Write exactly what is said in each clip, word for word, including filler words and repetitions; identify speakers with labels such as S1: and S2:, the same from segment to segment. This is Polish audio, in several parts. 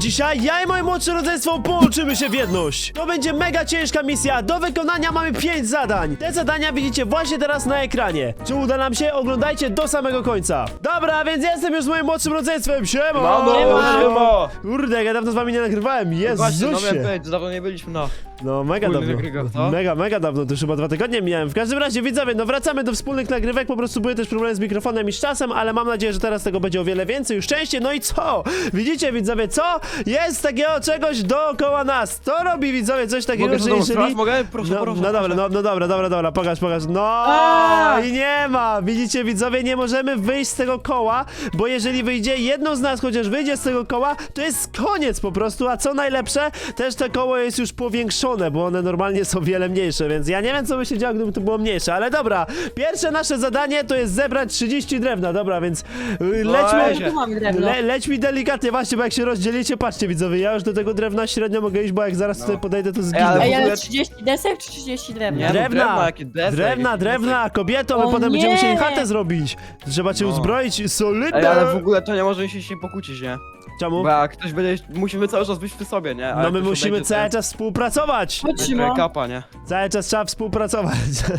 S1: Dzisiaj ja i moje młodsze rodzeństwo połączymy się w jedność. To będzie mega ciężka misja. Do wykonania mamy pięć zadań. Te zadania widzicie właśnie teraz na ekranie. Czy uda nam się? Oglądajcie do samego końca. Dobra, więc jestem już z moim młodszym rodzeństwem. Siema!
S2: Mamo, siema!
S1: Kurde, jak ja dawno z wami nie nagrywałem.
S2: Właśnie, no
S1: Jezusie.
S2: miałem powiedzieć, dawno nie byliśmy na...
S1: No mega
S2: Wspólnych
S1: dawno.
S2: nagrywkach, co?
S1: Mega, mega dawno, to już chyba dwa tygodnie miałem. W każdym razie widzowie, no wracamy do wspólnych nagrywek, po prostu były też problemy z mikrofonem i z czasem, ale mam nadzieję, że teraz tego będzie o wiele więcej, już częściej. No i co? Widzicie widzowie, co? Jest takiego czegoś dookoła nas. To robi widzowie coś takiego,
S2: Mogę
S1: że
S2: to
S1: jeżeli...
S2: demonstrować? Mogę? Proszę,
S1: No,
S2: proszę,
S1: no dobra,
S2: proszę.
S1: no, no dobra, dobra, dobra, pokaż, pokaż. No
S3: A!
S1: i nie ma. Widzicie widzowie, nie możemy wyjść z tego koła, bo jeżeli wyjdzie jedno z nas, chociaż wyjdzie z tego koła, to jest koniec po prostu, a co najlepsze, też to koło jest już powiększone, bo one normalnie są wiele mniejsze, więc ja nie wiem, co by się działo, gdyby to było mniejsze, ale dobra, pierwsze nasze zadanie to jest zebrać trzydzieści drewna, dobra, więc y, lećmy,
S2: Weź.
S3: Tu mamy drewno.
S1: le, lećmy delikatnie, właśnie, bo jak się rozdzielicie, patrzcie widzowie, ja już do tego drewna średnio mogę iść, bo jak zaraz
S2: No.
S1: tutaj podejdę, to
S2: Ej,
S1: zginę.
S2: ale
S3: Ej,
S2: w ogóle-
S3: ale trzydzieści desek czy trzydzieści drewna?
S2: Nie, no,
S1: Drewna,
S2: drewna, jakie desek,
S1: drewna,
S2: jakie
S1: drewna, kobieto, my
S3: O
S1: potem będziemy
S3: nie!
S1: musieli chatę zrobić. Trzeba cię
S2: No.
S1: uzbroić, solidne.
S2: Ej, ale w ogóle to nie może się się pokłócić, nie?
S1: Czemu?
S2: Bo jak ktoś będzie... Musimy cały czas być przy sobie, nie? A
S1: No
S2: jak
S1: my
S2: ktoś
S1: musimy
S2: odejdzie,
S1: cały
S2: to-
S1: czas współpracować.
S3: Chodź,
S2: to
S3: Szymon.
S2: kapa, nie?
S1: Cały czas trzeba współpracować.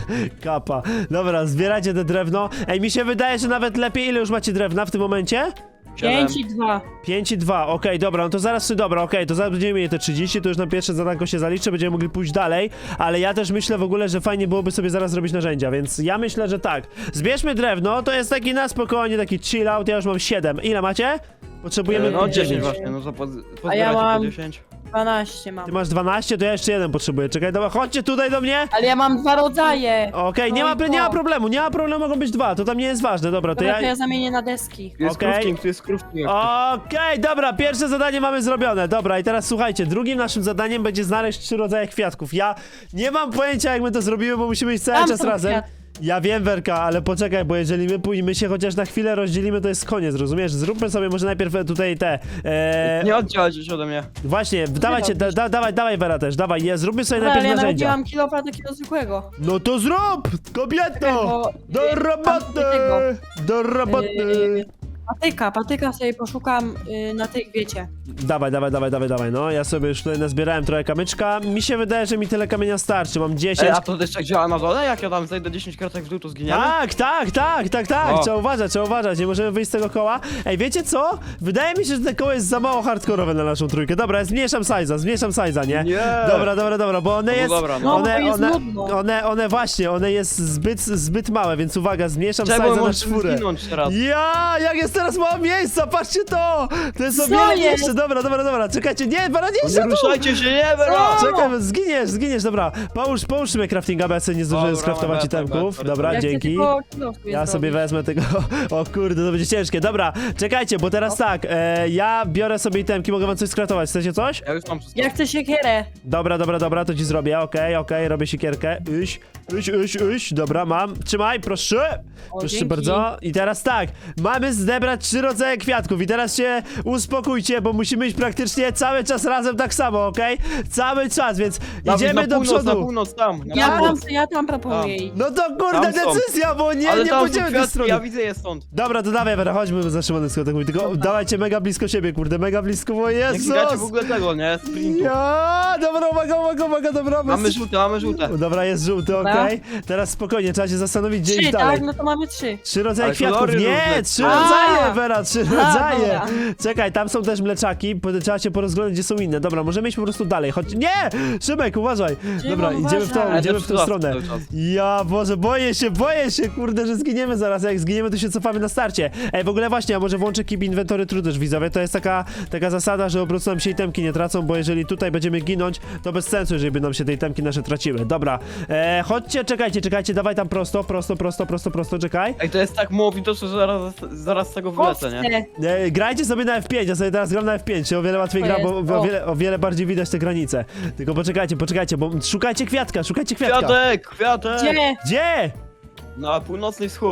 S1: Kapa. Dobra, zbierajcie te drewno. Ej, mi się wydaje, że nawet lepiej. Ile już macie drewna w tym momencie?
S2: Siedem.
S3: pięć i dwa.
S1: pięć i dwa, okej, dobra, no to zaraz, dobra, okej, to zaraz będziemy mieli te trzydzieści, to już na pierwsze zadanko się zaliczy, będziemy mogli pójść dalej, ale ja też myślę w ogóle, że fajnie byłoby sobie zaraz zrobić narzędzia, więc ja myślę, że tak. Zbierzmy drewno, to jest taki na spokojnie, taki chill out, ja już mam siedem. Ile macie? Potrzebujemy
S2: E, No
S1: dziewięć.
S2: dziesięć właśnie, no to po,
S3: A ja mam-
S2: po dziesięć.
S3: dwanaście mam.
S1: Ty masz dwanaście, to ja jeszcze jeden potrzebuję, czekaj, dobra, chodźcie tutaj do mnie.
S3: Ale ja mam dwa rodzaje.
S1: Okej, nie,
S3: No
S1: ma,
S3: i
S1: nie ma
S3: co?
S1: problemu, nie ma problemu, mogą być dwa, to tam nie jest ważne, dobra, to
S3: Dobra,
S1: ja...
S3: to ja zamienię na deski.
S2: Tu jest
S1: Okej.
S2: crafting, tu jest crafting.
S1: Okej, dobra, pierwsze zadanie mamy zrobione. Dobra, i teraz słuchajcie, drugim naszym zadaniem będzie znaleźć trzy rodzaje kwiatków. Ja nie mam pojęcia, jak my to zrobimy, bo musimy iść cały
S3: Tam
S1: czas
S3: są
S1: razem.
S3: kwiat.
S1: Ja wiem, Werka, ale poczekaj, bo jeżeli my pójdziemy się chociaż na chwilę rozdzielimy, to jest koniec, rozumiesz? Zróbmy sobie może najpierw tutaj te... E,
S2: Nie oddzielać się ode mnie.
S1: właśnie, dawajcie, da, da, dawaj, dawaj, Wera też, dawaj, je, zróbmy sobie
S3: Dobra, ale
S1: najpierw
S3: ja nawet nie
S1: narzędzia.
S3: mam kilofa takiego zwykłego.
S1: No to zrób, kobieto!
S3: bo,
S1: Do
S3: y,
S1: roboty!
S3: tego.
S1: Do roboty!
S3: Yy, patyka, patyka sobie poszukam yy, na tej, wiecie.
S1: Dawaj, dawaj, dawaj, dawaj, dawaj, no ja sobie już tutaj nazbierałem trochę kamyczka. Mi się wydaje, że mi tyle kamienia starczy, mam dziesięć.
S2: Ej, a to też tak działa na dole? Jak ja tam zejdę dziesięć kratek w dół, to zginiemy?
S1: Tak, tak, tak, tak, tak,
S2: O.
S1: trzeba uważać, trzeba uważać, nie możemy wyjść z tego koła. Ej, wiecie co? Wydaje mi się, że to koło jest za mało hardkorowe na naszą trójkę. Dobra, ja zmniejszam size'a, zmniejszam size'a, nie?
S2: Nie.
S1: Dobra, dobra, dobra, bo one
S2: No
S1: jest...
S2: dobra, no.
S3: No,
S1: one,
S3: to jest
S1: one,
S3: nudno.
S1: one, one właśnie, one jest zbyt, zbyt małe, więc uwaga, zmniejszam
S2: Czemu
S1: size'a na
S2: możesz
S1: czwórę.
S2: zginąć teraz?
S1: Ja, jak jest teraz mało miejsca, patrzcie to! To jest o
S3: Co
S1: wiele
S3: jest?
S1: mniejsze, dobra, dobra, dobra, czekajcie, nie, bara, nie,
S2: Nie ruszajcie się, nie, Vera!
S3: Co?
S1: Czekaj, zginiesz, zginiesz, dobra. Połóż, połóż mnie craftinga, bo ja sobie nie zdążyłem
S2: Dobra,
S1: skraftować
S2: dobra,
S1: itemków.
S2: dobra,
S1: Dobra,
S3: Ja chcę
S1: dzięki.
S3: tylko kilo sobie
S1: Ja sobie
S3: zrobić.
S1: wezmę tego. O kurde, to będzie ciężkie. Dobra, czekajcie, bo teraz tak, e, ja biorę sobie itemki, mogę wam coś skraftować. Chcecie coś?
S2: Ja już mam wszystko.
S3: Ja chcę siekierę.
S1: Dobra, dobra, dobra, to ci zrobię. Okej, okej, robię sikierkę. Iś, iś, iś, iś. Dobra, mam. Trzymaj, proszę.
S3: O,
S1: Proszę
S3: dzięki.
S1: bardzo. I teraz tak, mamy zebrać trzy rodzaje kwiatków. I teraz się uspokójcie, bo musimy iść praktycznie cały czas razem tak samo, okej? Cały czas, więc
S2: Dawid,
S1: idziemy
S2: na
S1: do
S2: północ,
S1: przodu.
S2: Na północ, tam. Na
S3: Ja tam,
S2: północ.
S3: ja tam proponuję iść.
S1: No to kurde,
S2: Tam są.
S1: decyzja, bo nie,
S2: Ale
S1: nie
S2: tam są
S1: pójdziemy tej
S2: kwiatki,
S1: strony.
S2: ja widzę je stąd.
S1: Dobra, to dawaj, Wera, chodźmy za Szymonem, tak mówi, tylko dawajcie mega blisko siebie, kurde, mega blisko, bo
S2: Nie
S1: Jezus!
S2: klikacie w ogóle tego, nie? Sprintu.
S1: Ja, dobra, uwaga, uwaga, uwaga, dobra,
S2: Mamy
S1: bez-
S2: żółte, mamy żółte.
S1: Dobra, jest żółty,
S3: Dobra.
S1: okej. Teraz spokojnie, trzeba się zastanowić, gdzie iść
S3: Trzy,
S1: dalej.
S3: tak? No to mamy trzy.
S1: Trzy rodzaje
S2: Ale
S1: kwiatków,
S2: kolory
S1: nie,
S2: różne.
S1: trzy
S3: A.
S1: rodzaje, Wera, trzy rodzaje.
S3: dobra.
S1: Czekaj, tam są też mleczaki, po- trzeba się porozglądać, gdzie są inne. Dobra, możemy iść po prostu dalej, chodź. Nie! Szymek, uważaj. Dobra,
S3: Szymon,
S1: idziemy w tą,
S3: uważaj.
S1: idziemy
S2: Ale
S1: w
S2: to
S1: tą
S2: przy
S1: stronę.
S2: cały czas.
S1: Ja, Boże, boję się, boję się, kurde, że zginiemy zaraz, a jak zginiemy, to się cofamy na starcie. Ej, w ogóle właśnie, a może włączę Keep Inventory True też, widzowie, to jest taka, taka zasada, że po prostu nam się itemki nie tracą, bo jeżeli tutaj będziemy ginąć, to bez sensu, jeżeli by nam się te itemki nasze traciły. Dobra, e, chodźcie, czekajcie, czekajcie, dawaj tam prosto, prosto, prosto, prosto, prosto, czekaj.
S2: Ej, to jest tak mało widoczne, że zaraz, zaraz z tego wylecę, nie?
S3: Owce.
S1: E, grajcie sobie na F pięć, ja sobie teraz gram na F pięć, się o wiele łatwiej
S3: To
S1: gra,
S3: jest,
S1: bo o
S3: o.
S1: wiele, o wiele bardziej widać te granice. Tylko poczekajcie, poczekajcie, bo szukajcie kwiatka, szukajcie kwiatka.
S2: Kwiatek, kwiatek!
S3: Gdzie?
S1: Gdzie?
S2: Na północny wschód.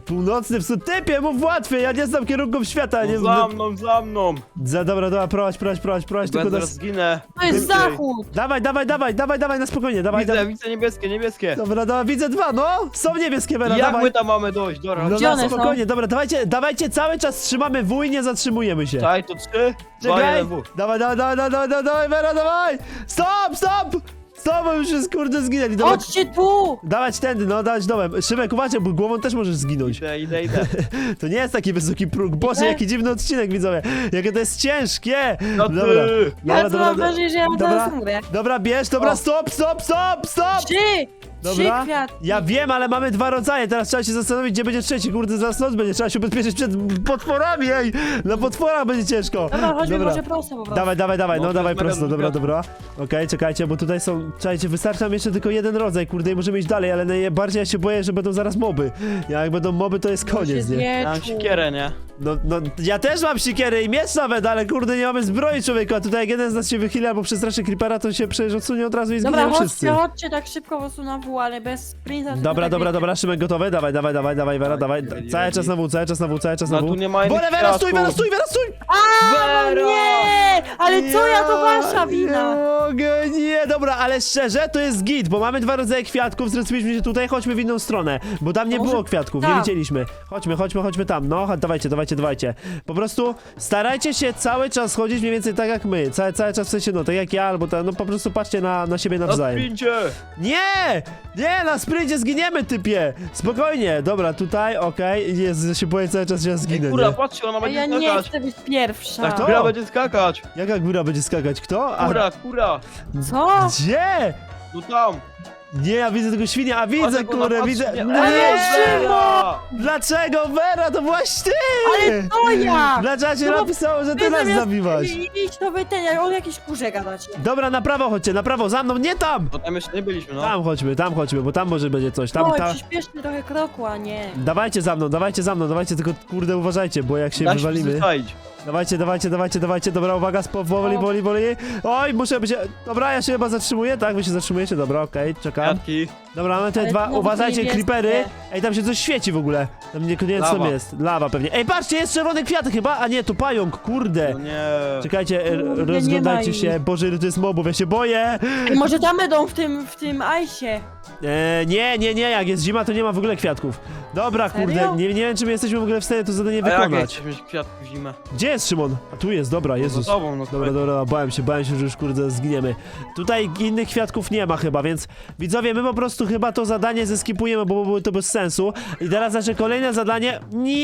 S1: Północny wschód. Typie, mów łatwiej, ja nie znam kierunków świata. Nie
S2: No za mną, za mną.
S1: za, dobra, dobra, prowadź, prowadź, prowadź, prowadź, tylko
S2: Będę
S1: nas...
S2: zginę.
S3: To jest
S2: Szybciej.
S3: zachód!
S1: Dawaj, dawaj, dawaj, dawaj, dawaj, na spokojnie, dawaj,
S2: Widzę,
S1: dawaj.
S2: widzę niebieskie, niebieskie.
S1: Dobra, dobra, widzę dwa, no! Są niebieskie, Vera,
S2: Jak
S1: dawaj.
S2: my tam mamy dojść? Dobra,
S1: No
S3: Gdzie
S1: na
S3: one są?
S1: spokojnie, dobra, dawajcie, dawajcie, cały czas trzymamy W i nie zatrzymujemy się.
S2: Czekaj, to trzy, dwa,
S1: Czekaj!
S2: jeden, W.
S1: Dawaj, dawaj, dawaj, dawaj, dawaj, dawaj, Vera, dawaj! Stop, stop! Stop, bo już jest kurde zginęli. Dawaj,
S3: Chodźcie tu!
S1: dawać tędy, no, dawać dołem. Szymek, uważaj, bo głową też możesz zginąć.
S2: Idę, idę, idę.
S1: To nie jest taki wysoki próg. Boże,
S3: Idę.
S1: jaki dziwny odcinek, widzowie. Jakie to jest ciężkie.
S2: No ty.
S1: Dobra,
S3: Ja
S1: dobra,
S3: to mam
S1: dobra,
S3: wrażenie, że ja
S1: dobra,
S3: teraz umrę.
S1: dobra, bierz, dobra,
S3: O.
S1: stop, stop, stop, stop!
S3: Trzy! Trzy
S1: Dobra,
S3: kwiatki!
S1: ja wiem, ale mamy dwa rodzaje, teraz trzeba się zastanowić, gdzie będzie trzeci, kurde, zaraz noc będzie, trzeba się ubezpieczyć przed potworami, ej! Na potworach będzie ciężko.
S3: Dobra, chodźmy może prosto po prostu.
S1: Dawaj, dawaj, dawaj, no,
S2: No, to
S1: dawaj
S2: jest mega
S1: prosto,
S2: dużo
S1: dobra,
S2: kwiatów.
S1: dobra. Okej, czekajcie, bo tutaj są, czekajcie, wystarczy nam jeszcze tylko jeden rodzaj, kurde, i możemy iść dalej, ale najbardziej ja się boję, że będą zaraz moby. Jak będą moby, to jest
S3: Bo się
S1: koniec, nie?
S2: Ja mam
S3: zwieczu.
S2: siekierę, nie?
S1: No, no, ja też mam siekierę i miecz nawet, ale kurde, nie mamy zbroi, człowieku, a tutaj jak jeden z nas się wychyli albo przestraszy creepera, to się przecież odsunie od razu i
S3: Dobra,
S1: zginiemy wszyscy.
S3: chodźcie, chodźcie tak szybko po prostu na W, ale bez sprinta. to
S1: Dobra,
S3: tak
S1: dobra,
S3: wiecie.
S1: dobra, Szymek gotowy? Dawaj, dawaj, dawaj, dawaj, Wera,
S2: Tak,
S1: dawaj.
S2: ready,
S1: Cały
S2: ready.
S1: czas na W, cały czas na W, cały czas na
S2: No
S1: W.
S2: tu nie ma innych
S1: Bole, Wera, stój,
S2: kwiatków.
S1: Wera, stój, Wera, stój!
S2: Vera!
S3: Nie! Ale co ja, to wasza
S1: Nie
S3: wina!
S1: mogę, nie, dobra, ale szczerze, to jest git, bo mamy dwa rodzaje kwiatków, zresztą się tutaj, chodźmy w inną stronę, bo tam nie
S3: To może
S1: było kwiatków, nie
S3: tam.
S1: widzieliśmy. Chodźmy, chodźmy, chodźmy tam, no, chodź, dawajcie, dawajcie, dawajcie. Po prostu starajcie się cały czas chodzić mniej więcej tak jak my, cały, cały czas w sensie, no, tak jak ja, albo tak, no po prostu patrzcie na, na siebie
S2: Na
S1: nawzajem.
S2: sprincie!
S1: Nie! Nie, na sprincie zginiemy, typie! Spokojnie, dobra, tutaj, okej, jest, ja się boję cały czas, że ja
S2: Ej,
S1: zginę,
S2: kurwa,
S1: nie?
S2: patrzcie, ona
S3: A
S2: będzie
S3: ja nie
S2: skakać.
S3: chcę być pierwsza.
S2: Tak,
S1: to?
S2: góra będzie skakać.
S1: Jaka góra będzie skakać? Kto? A,
S2: Kura, kura.
S3: Co?
S1: gdzie?
S2: No tam.
S1: Nie, ja widzę tego świnia, a widzę,
S2: Patrz, jak ona
S1: kurę,
S2: patrzy,
S1: widzę...
S2: nie-
S1: Nie!
S2: Ale Vera!
S1: Dlaczego, Vera, to byłaś ty!
S3: Ale to ja!
S1: Dlaczego się
S3: No bo
S1: napisało, że ty
S3: Wy
S1: nas
S3: zamiast
S1: zabiłaś?
S3: Idź to wy ten, jak o jakiejś kurze gadacie.
S1: Dobra, na prawo chodźcie, na prawo, za mną, nie tam!
S2: Bo tam jeszcze nie byliśmy, no.
S1: Tam chodźmy, tam chodźmy, bo tam może będzie coś, tam,
S3: Oj,
S1: tam...
S3: przyspieszmy trochę kroku, a nie.
S1: Dawajcie za mną, dawajcie za mną, dawajcie, tylko kurde uważajcie, bo jak się
S2: Da się
S1: wywalimy...
S2: przyzwyczaić.
S1: Dawajcie, dawajcie, dawajcie, dawajcie, dobra, uwaga, spo- powoli,
S3: O.
S1: powoli, powoli. Oj, muszę być... Dobra, ja się chyba zatrzymuję, tak? Wy się zatrzymujecie, dobra, okej, czekam.
S2: Kwiatki.
S1: Dobra, mamy te
S3: Ale
S1: dwa,
S3: znowu
S1: uważajcie,
S3: niebieskie.
S1: creepery. Ej, tam się coś świeci w ogóle. Tam niekoniecznie
S2: Lawa.
S1: jest. Lawa pewnie. Ej, patrzcie, jest czerwony kwiat chyba, a nie, to pająk, kurde.
S2: No nie.
S1: Czekajcie, e,
S3: Kurde, nie
S1: rozglądajcie
S3: ma
S1: się,
S3: ich.
S1: Boże, ile to jest mobów, ja się boję.
S3: Ej, może tam będą w tym, w tym ajsie.
S1: E, nie, nie, nie, jak jest zima, to nie ma w ogóle kwiatków. Dobra,
S3: Serio?
S1: kurde, nie, nie wiem, czy my jesteśmy w ogóle w stanie to zadanie
S2: A jak
S1: wykonać.
S2: chcesz mieć kwiatków zimę?
S1: Gdzie jest Szymon? A tu jest, dobra, Jezus.
S2: Za tobą, no
S1: Dobra, dobra, bałem się, bałem się, że już kurde zginiemy. Tutaj innych kwiatków nie ma chyba, więc widzowie, my po prostu chyba to zadanie zeskipujemy, bo byłoby to bez sensu. I teraz nasze kolejne zadanie...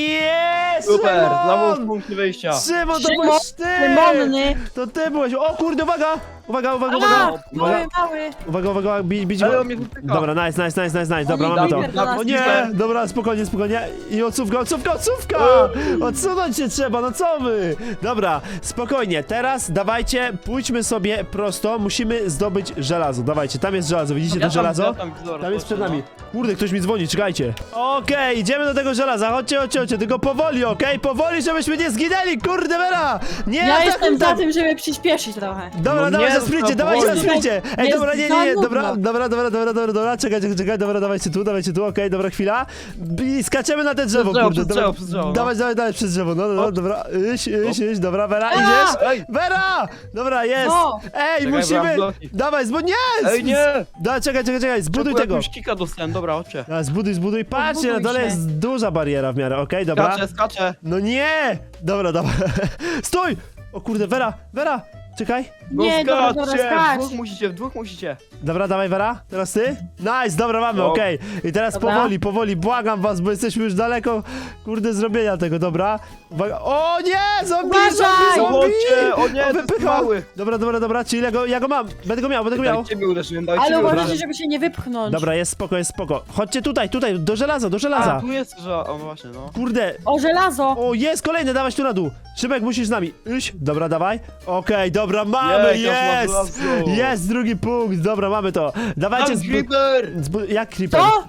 S1: Nie!
S2: Super, znowu w
S1: Szymon!
S2: punkcie wyjścia.
S1: Szymon, to
S3: Szymon,
S1: byłeś ty!
S3: Lemony.
S1: To ty byłeś, o kurde, uwaga! Uwaga, uwaga,
S3: A,
S1: uwaga!
S3: mały,
S1: Uwaga,
S3: mały.
S1: uwaga, uwaga, bić, bić
S2: Ale
S1: go.
S2: on mnie wytyka.
S1: Dobra, nice, nice, nice, nice, nice, dobra,
S3: Oni
S1: mamy to.
S3: dajmy do nas
S1: O nie,
S2: piłkę.
S1: dobra, spokojnie, spokojnie. I odsówka, odsówka, odsówka! Odsunąć się trzeba, no co wy? Dobra, spokojnie, teraz dawajcie, pójdźmy sobie prosto, musimy zdobyć żelazo. Dawajcie, tam jest żelazo, widzicie
S2: Ja
S1: to
S2: tam,
S1: żelazo?
S2: ja tam, zaraz,
S1: Tam jest przed
S2: no.
S1: nami. Kurde, ktoś mi dzwoni, czekajcie. Okej, idziemy do tego żelaza, chodźcie, chodźcie, chodźcie, tylko powoli, okej? Powoli, żebyśmy nie zginęli, kurde, Vera! Nie,
S3: Ja
S1: atakuj
S3: jestem za
S1: tam.
S3: tym, żeby przyspieszyć trochę.
S1: Dobra,
S2: No
S1: dawaj
S2: nie,
S1: na
S2: no
S1: sprincie,
S2: to
S1: dawajcie na
S2: powoli.
S1: sprincie! Ej,
S3: Jest
S1: dobra, nie,
S3: za
S1: nie, nie, dobra,
S3: nudno.
S1: dobra, dobra, dobra, dobra, dobra, czekajcie, czekaj, dobra, dawajcie tu, dawajcie tu, okej, dobra, chwila. I skaczemy na te drzewo,
S2: drzewo,
S1: kurde,
S2: przez
S1: dobra,
S2: drzewo, przez drzewo, no.
S1: dawaj, dawaj, dawaj, przez drzewo, no, no, no,
S2: Hop.
S1: dobra, iść, iść, iść, dobra, Vera,
S3: A!
S1: idziesz?
S2: Ej,
S1: Vera! Dobra, jest!
S3: No.
S1: Ej,
S2: Czekaj,
S1: musimy,
S2: bram bloki.
S1: dawaj, zbud... nie!
S2: ej, nie!
S1: Da, czekaj, czekaj, czekaj, zbuduj
S2: Czekaj,
S1: tego.
S2: jakiegoś kika dostałem, dobra, chodźcie.
S1: A, zbuduj, zbuduj, patrzcie, na
S3: Zbuduj
S1: dole
S3: się.
S1: jest duża bariera w miarę, okej, dobra.
S2: Skaczę, skaczę.
S1: No nie! Dobra, dobra, stój! O kurde, Vera, Vera, czekaj.
S2: No
S3: Nie, dobra, dobra,
S2: skaczcie, w
S3: skacz.
S2: dwóch musicie, w dwóch musicie.
S1: Dobra, dawaj Vera, teraz ty? Nice, dobra, mamy,
S2: No.
S1: okej. I teraz
S3: Dobra.
S1: powoli, powoli, błagam was, bo jesteśmy już daleko, kurde, zrobienia tego, dobra? Uwaga. O nie, zombie,
S3: Uważaj!
S1: zombie, zombie!
S2: Zobaczcie, o nie,
S1: O,
S2: to jest
S1: wypycha.
S2: mały.
S1: Dobra, dobra, dobra, czyli ja go, ja go mam, będę go miał, będę go miał.
S2: Daj ciebie uderzyłem, daj ciebie
S3: Ale
S2: uderzyłem.
S3: uważajcie, żeby się nie wypchnąć.
S1: Dobra, jest spoko, jest spoko. Chodźcie tutaj, tutaj, do żelaza, do żelaza.
S2: A, tu jest, że... O, właśnie, no.
S1: Kurde,
S3: O, żelazo!
S1: o, jest kolejny, dawać tu na dół. Szymek, musisz z nami. Iść, dobra, dawaj. Okej, dobra, mamy,
S2: Jej, teraz ma
S1: jest!
S2: żelazo.
S1: Jest drugi punkt, dobra, mamy to. Dawajcie,
S2: Tam
S1: zbu-
S2: creeper!
S1: zbu- jak creeper?
S3: Co?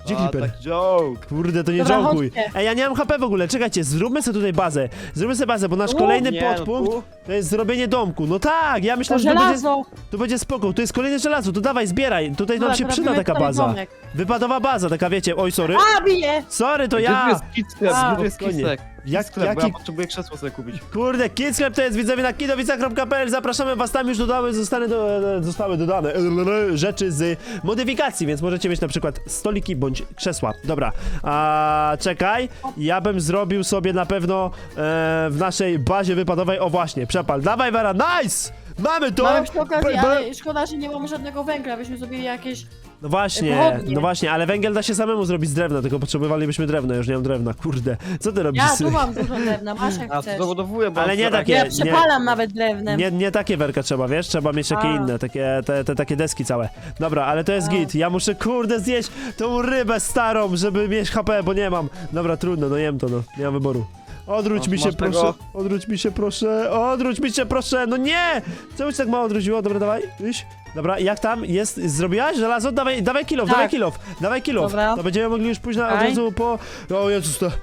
S1: Gdzie
S2: A,
S1: Creeper?
S2: tak joke.
S1: Kurde, to nie
S3: Dobra,
S1: żałkuj.
S3: chodźcie.
S1: Ej, ja nie mam H P w ogóle, czekajcie, zróbmy sobie tutaj bazę. Zróbmy sobie bazę, bo nasz
S3: U,
S1: kolejny
S2: nie, no
S1: podpunkt
S2: tu?
S1: to jest zrobienie domku. No tak, ja
S3: To
S1: myślę, że to będzie,
S3: żelazo.
S1: to będzie spoko. To jest kolejne żelazo, to dawaj, zbieraj. Tutaj nam
S3: Dobra,
S1: się
S3: to
S1: przyda
S3: robimy
S1: taka
S3: tutaj
S1: baza.
S3: domek.
S1: Wypadowa baza, taka wiecie, oj, sorry.
S3: A, bije!
S1: Sorry, to
S2: Gdzie tu
S1: ja.
S2: jest kicek?
S3: A,
S2: Gdzie tu jest
S1: spokojnie.
S2: kicek?
S1: Jak-
S2: Sklep, bo
S1: jaki-
S2: ja potrzebuję krzesło sobie kupić.
S1: Kurde, Kids Club to jest widzowie na kidowica kropka p l. Zapraszamy was, tam już dodały, zostały, do, zostały dodane e, rzeczy z modyfikacji, więc możecie mieć na przykład stoliki bądź krzesła. Dobra, a czekaj, ja bym zrobił sobie na pewno e, w naszej bazie wypadowej, o właśnie, przepal. Dawaj Vera, nice! Mamy to!
S3: Mamy przy okazji,
S1: Be- be-
S3: ale szkoda, że nie mamy żadnego węgla, byśmy zrobili jakieś...
S1: No właśnie,
S3: pochodnie.
S1: no właśnie, ale węgiel da się samemu zrobić z drewna, tylko potrzebowalibyśmy drewna, już nie mam drewna, kurde. Co ty robisz?
S3: Ja tu mam dużo drewna, masz jak
S2: A, to
S3: chcesz.
S2: dowodowuję, bo...
S1: Ale
S2: mam
S1: nie
S2: wczoraj-
S1: takie-
S3: Ja
S1: nie-
S3: przepalam nawet drewnem.
S1: Nie, nie takie werka trzeba, wiesz? Trzeba mieć takie
S3: A.
S1: inne, takie, te, te takie deski całe. Dobra, ale to jest
S3: A.
S1: git. Ja muszę, kurde, zjeść tą rybę starą, żeby mieć H P, bo nie mam. Dobra, trudno, no jem to, no. Nie mam wyboru. Odwróć
S2: No,
S1: mi się,
S2: masz
S1: proszę.
S2: tego?
S1: Odwróć mi się, proszę. Odwróć mi się, proszę. No nie! Czemu się tak mało odwróciło? Dobra, dawaj. Iść. Dobra, jak tam? Jest? Zrobiłaś żelazo? Dawaj, dawaj kilof,
S3: Tak.
S1: dawaj kilof. Dawaj kilof.
S3: Dobra.
S1: To będziemy mogli już pójść na, od
S3: Daj.
S1: razu po... O Jezus, to...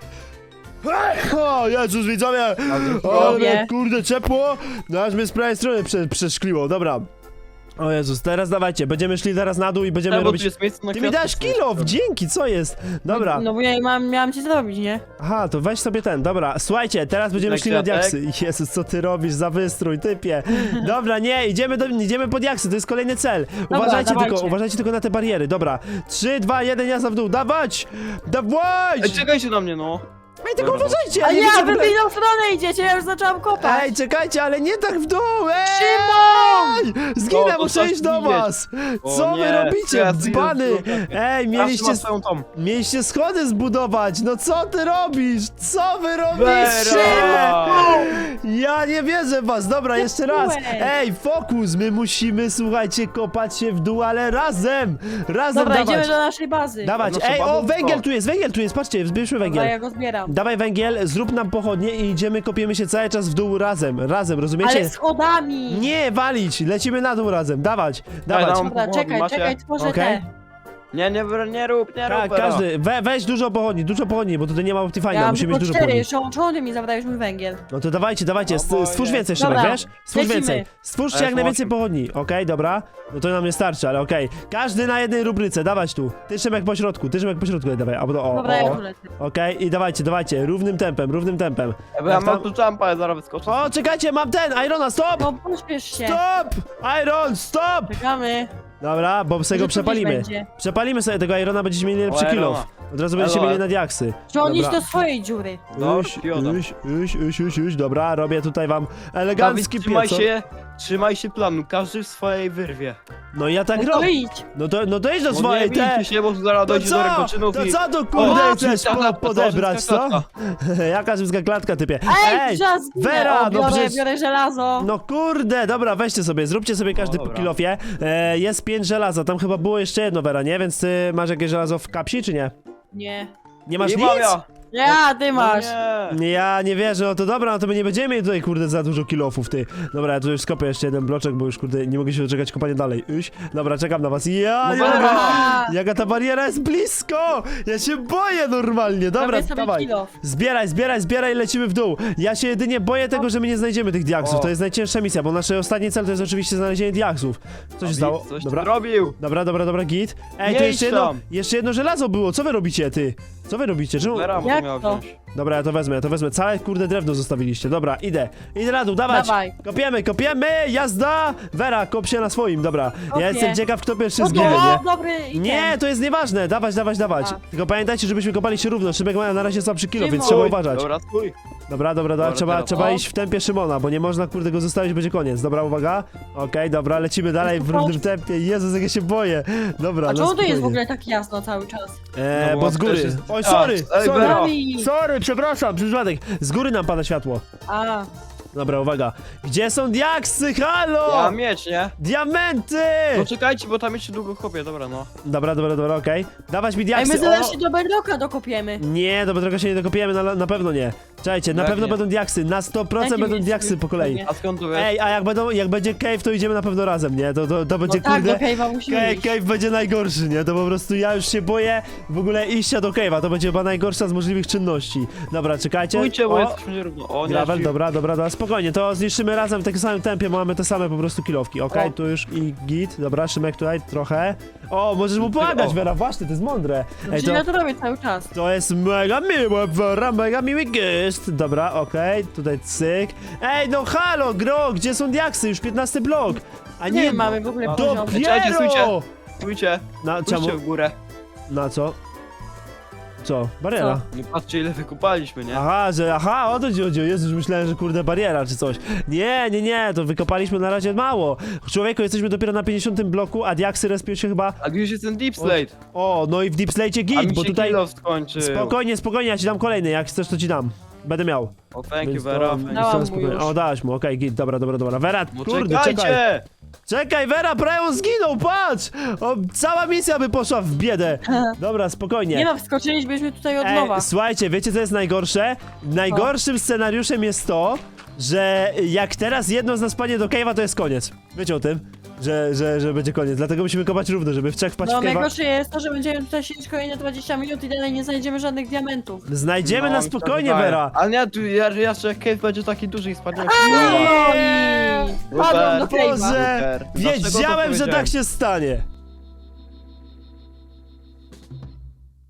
S1: O Jezus, widzowie!
S2: Ale-
S1: Ale
S3: Robię.
S1: kurde, ciepło! No aż mnie z prawej strony prze, przeszkliło, dobra. O Jezus, teraz dawajcie, będziemy szli teraz na dół i będziemy
S2: Ja, bo tu
S1: robić...
S2: jest miejsce na
S1: Ty mi
S2: kwiatki,
S1: dasz
S2: sobie
S1: kilof,
S2: zrobię.
S1: dzięki, co jest? Dobra,
S3: No bo ja mam, miałam ci zrobić, nie?
S1: aha, to weź sobie ten, dobra, słuchajcie, teraz będziemy
S2: Na
S1: szli na
S2: kwiatek.
S1: diaksy. Jezus, co ty robisz za wystrój, typie. Dobra, nie, idziemy, do, idziemy po diaksy, to jest kolejny cel. Uważajcie
S3: dawajcie.
S1: tylko, uważajcie tylko na te bariery, dobra. trzy, dwa, jeden, jazda w dół, dawać! Dawać!
S2: Ej, czekajcie na mnie, no.
S1: Ej, tylko
S2: Dobra.
S1: uważajcie!
S3: A
S1: nie
S3: ja,
S1: widzę
S3: wy w
S1: w ogóle-
S3: inną stronę idziecie, ja już zaczęłam kopać.
S1: Ej, czekajcie, ale nie tak w dół! Ej!
S3: Szymon!
S1: Zginę,
S2: No, to
S1: muszę
S2: coś
S1: iść do
S2: widzieć.
S1: was!
S2: O
S1: Co wy
S2: nie,
S1: robicie,
S2: ja tu
S1: dzbany?
S2: już zrobię.
S1: Ej,
S2: Mieliście...
S1: mieliście,
S2: swoją tom.
S1: mieliście schody zbudować! No co ty robisz? Co wy robicie?
S2: Vera!
S1: Ja nie wierzę w was! Dobra, jeszcze raz!
S3: Zepsułeś.
S1: Ej, fokus! My musimy, słuchajcie, kopać się w dół, ale razem! Razem
S3: Dobra,
S1: dawać!
S3: idziemy do naszej bazy.
S1: Dawać!
S2: Nasze
S1: Ej, o,
S2: babunko.
S1: węgiel tu jest, węgiel tu jest, patrzcie, zbierzmy
S3: Dobra,
S1: węgiel.
S3: ja go zbieram.
S1: Dawaj węgiel, zrób nam pochodnie i idziemy, kopiemy się cały czas w dół razem, razem, rozumiecie?
S3: Ale schodami.
S1: Nie, walić! Lecimy na dół razem, dawać,
S2: Dawaj,
S1: dawać.
S2: dam.
S3: Dobra,
S2: Pochodni
S3: czekaj,
S2: macie?
S3: czekaj, tworzę
S1: Okej.
S3: te.
S2: Nie, nie, nie rób, nie rób,
S1: Tak,
S2: Vera.
S1: każdy, we, weź dużo pochodni, dużo pochodni, bo tutaj nie ma Optifine'a,
S3: Ja mam
S1: musimy
S3: tylko
S1: mieć dużo
S3: cztery,
S1: pochodni.
S3: czemu, czemu ty mi zabrałeś mój węgiel?
S1: No to dawajcie, dawajcie,
S2: O
S1: st-
S2: boję.
S1: stwórz więcej, Szymek,
S3: Dobra,
S1: wiesz? Stwórz
S3: lecimy.
S1: więcej. Stwórzcie
S2: Ale
S1: jak najwięcej
S2: osiem.
S1: pochodni, okej, dobra? No to nam nie starczy, ale okej. Każdy na jednej rubryce, dawać tu. Ty Szymek po środku, ty Szymek po środku, dawaj, albo do, o,
S3: Dobra,
S1: o,
S3: ja
S1: o.
S3: tu lecę.
S1: Okej, i dawajcie, dawajcie, równym tempem, równym tempem.
S2: Ja, bo ja
S1: Jak
S2: mam
S1: tam-
S2: tu jumpa, ja zaraz wyskoczę.
S1: O, czekajcie, mam ten, Irona, stop!
S3: No, pośpiesz się.
S1: Stop! Iron, stop!
S3: Czekamy.
S1: Dobra, bo sobie go
S3: Może tu
S1: przepalimy.
S3: gdzieś będzie.
S1: Przepalimy sobie tego Irona, będziecie mieli lepszy
S2: O,
S1: kill
S2: Irona.
S1: off. Od razu będziecie
S2: Elo.
S1: mieli na diaksy.
S3: Czy on iść
S1: Dobra.
S3: do swojej dziury?
S2: Dobra,
S1: Uś,
S2: pioda.
S1: uś, uś, uś, uś, uś, dobra, robię tutaj wam
S2: Dawid,
S1: elegancki
S2: trzymaj
S1: pieco.
S2: się, trzymaj się planu, każdy w swojej wyrwie.
S1: No i ja tak
S3: No to
S1: robię.
S3: idź.
S1: No to, no to idź do
S2: No
S1: swojej,
S2: nie
S1: te.
S2: bijcie się, bo tu zaraz
S1: To
S2: dojdzie do
S1: co?
S2: rękoczynów
S1: To
S2: i...
S1: co tu kurde
S2: O,
S1: chcesz
S2: rzymska
S1: po,
S2: klatka,
S1: podebrać,
S2: rzymska
S1: co?
S2: klatka.
S1: Jaka rzymska klatka, typie?
S3: Ej, czas
S1: Vera,
S3: o,
S1: no
S3: biorę,
S1: przecież...
S3: biorę żelazo.
S1: No kurde, dobra, weźcie sobie, zróbcie sobie każdy
S2: O,
S1: po
S2: dobra.
S1: kilofie. E, jest pięć żelaza, tam chyba było jeszcze jedno, Vera, nie? Więc ty masz jakieś żelazo w kapsi, czy nie?
S3: Nie.
S1: Nie masz
S2: Nie
S1: nic?
S2: mam ja.
S3: Ja, ty masz.
S2: No nie.
S1: Ja nie wierzę, no to dobra, no to my nie będziemy mieli tutaj, kurde, za dużo kilofów, ty. Dobra, ja tu już skopię jeszcze jeden bloczek, bo już, kurde, nie mogę się doczekać kopania dalej. Uś, dobra, czekam na was. Ja,
S2: No
S1: nie
S2: dobra.
S1: mogę.
S3: A,
S1: Jaka ta bariera jest blisko! Ja się boję normalnie, dobra,
S3: robię sobie
S1: dawaj.
S3: kill off.
S1: Zbieraj, zbieraj, zbieraj, lecimy w dół. Ja się jedynie boję tego, że my nie znajdziemy tych diaksów.
S2: O.
S1: To jest najcięższa misja, bo nasz ostatni cel to jest oczywiście znalezienie diaksów. Co się
S2: Dawid,
S1: stało?
S2: Coś
S1: Dobra.
S2: ty robił.
S1: Dobra, dobra, dobra, git. Ej,
S2: Nie
S1: to
S2: idź
S1: jeszcze jedno,
S2: tam.
S1: jeszcze jedno żelazo było. Co wy robicie, ty? Co wy robicie? Czemu...
S2: Vera
S3: Jak
S2: miała
S3: to?
S2: wziąć.
S1: Dobra, ja to wezmę, ja to wezmę. Całe kurde drewno zostawiliście. Dobra, idę. Idę na dół, dawać.
S3: Dawaj.
S1: Kopiemy, kopiemy, jazda! Vera, kop się na swoim, dobra.
S3: Kopię.
S1: Ja jestem ciekaw, kto pierwszy
S3: No
S1: zginie,
S3: to,
S1: nie?
S3: dobry item.
S1: Nie, to jest nieważne. Dawać, dawać, dawać.
S3: A.
S1: Tylko pamiętajcie, żebyśmy kopali się równo. Szymek ma na razie słabszy kilo, więc
S3: Szymon.
S1: trzeba
S2: Oj,
S1: uważać.
S2: Dobra, stój.
S1: Dobra, dobra, dobra,
S2: Dobra,
S1: trzeba,
S2: teraz.
S1: trzeba
S3: O.
S1: iść w tempie Szymona, bo nie można kurde go zostawić, będzie koniec. Dobra, uwaga. Okej, dobra, lecimy dalej w równym tempie. Jezus, jak ja się boję. Dobra,
S3: A
S1: no
S3: czemu to jest w
S1: spokojnie.
S3: ogóle tak jasno cały czas?
S1: Eee,
S2: No
S1: bo
S2: bo
S1: z góry.
S2: też jest-
S1: Oj,
S2: A,
S1: sorry,
S2: ej,
S1: sorry.
S2: Vera.
S3: Dawid.
S1: Sorry, przepraszam, przez przypadek. Z góry nam pada światło.
S3: A,
S1: Dobra, uwaga. Gdzie są diaksy? Halo!
S2: Ja mam miecz, nie?
S1: Diamenty!
S2: No czekajcie, bo tam jeszcze długo kopię, dobra no.
S1: Dobra, dobra, dobra, okej. Dawać mi
S3: Ej,
S1: diaksy.
S3: my zaraz
S1: O!
S3: się do Bedrocka dokopiemy.
S1: Nie, do Bedrocka się nie dokopiemy, na, na pewno nie. Czekajcie, na
S2: Jak
S1: pewno
S2: nie?
S1: będą diaksy, na sto procent
S3: Jakim
S1: będą
S3: jest-
S1: diaksy po kolei.
S2: A skąd to wiesz?
S1: Ej, a jak, będą, jak będzie cave, to idziemy na pewno razem, nie? To, to, to
S3: No
S1: będzie
S3: tak, do
S1: kurde...
S3: Cave'a musimy
S1: Cave,
S3: iść.
S1: cave będzie najgorszy, nie? To po prostu ja już się boję w ogóle iścia do cave'a, to będzie chyba najgorsza z możliwych czynności. Dobra, czekajcie.
S2: Pójdźcie, bo
S1: O,
S2: jesteśmy nierówno. O, nie,
S1: gravel,
S2: drzwi.
S1: dobra, dobra, dobra, spokojnie, to zniszczymy razem w takim samym tempie, bo mamy te same po prostu kilowki, okej?
S2: O.
S1: Tu już i git, dobra, Szymek tutaj trochę. O, możesz mu pomagać,
S2: O.
S1: Vera, właśnie, to jest mądre. Ej,
S3: Czyli ja to robię cały czas.
S1: to jest mega miłe, Vera, mega miły gest. Dobra, okej, tutaj cyk. Ej, no halo, gro, gdzie są diaksy? Już piętnasty blok. A
S3: Nie,
S1: nie,
S3: mamy w ogóle poziom.
S2: Czekajcie,
S1: dopiero!
S2: stójcie. Stójcie,
S1: Na czemu?
S2: pójdźcie w górę.
S1: Na co? Co? Bariera.
S2: No patrzcie ile wykopaliśmy, nie?
S1: Aha, że aha, o to ci chodziło. Jezu, już myślałem, że kurde bariera czy coś. Nie, nie, nie, to wykopaliśmy na razie mało. Człowieku, jesteśmy dopiero na pięćdziesiątym bloku, a diaksy respią się chyba...
S2: A już jest ten deep slate.
S1: O, no i w Deep Slate
S2: A
S1: git,
S2: mi
S1: bo
S2: się
S1: tutaj...
S2: kilo skończył.
S1: Spokojnie, spokojnie, ja ci dam kolejny, jak chcesz to ci dam. Będę miał.
S2: O, thank
S1: Więc
S2: you,
S1: to-
S2: Vera.
S1: więc
S2: thank
S3: Dałam
S1: to
S2: you.
S3: mu
S1: spokojnie.
S3: już.
S1: O, dałaś mu, okej, git, dobra, dobra, dobra. Vera,
S2: No
S1: kurde, czekaj.
S2: czekajcie!
S1: Czekaj, Vera, prawie on zginął, patrz! O, cała misja by poszła w biedę. Dobra, spokojnie.
S3: Nie no, wskoczyliśmy tutaj od nowa.
S1: Ej, słuchajcie, wiecie co jest najgorsze? Najgorszym scenariuszem jest to, że jak teraz jedno z nas padnie do cave'a, to jest koniec. Wiecie o tym? Że, że, że będzie koniec, dlatego musimy kopać równo, żeby w trzech wpaść
S3: No
S1: w cave'a.
S3: najgorsze jest to, że będziemy tutaj siedzieć kolejne dwadzieścia minut i dalej nie znajdziemy żadnych diamentów.
S1: Znajdziemy
S2: No,
S1: na
S2: mi się
S1: spokojnie,
S2: wydaje.
S1: Vera.
S2: Ale nie, tu ja, że jeszcze jak cave będzie taki duży i spadnie.
S3: No
S1: Nie!
S3: i... Padłem do
S2: Super.
S3: cave'a.
S1: Boże!
S2: Super. Dlaczego to
S1: Wiedziałem, że
S2: powiedziałem?
S1: tak się stanie.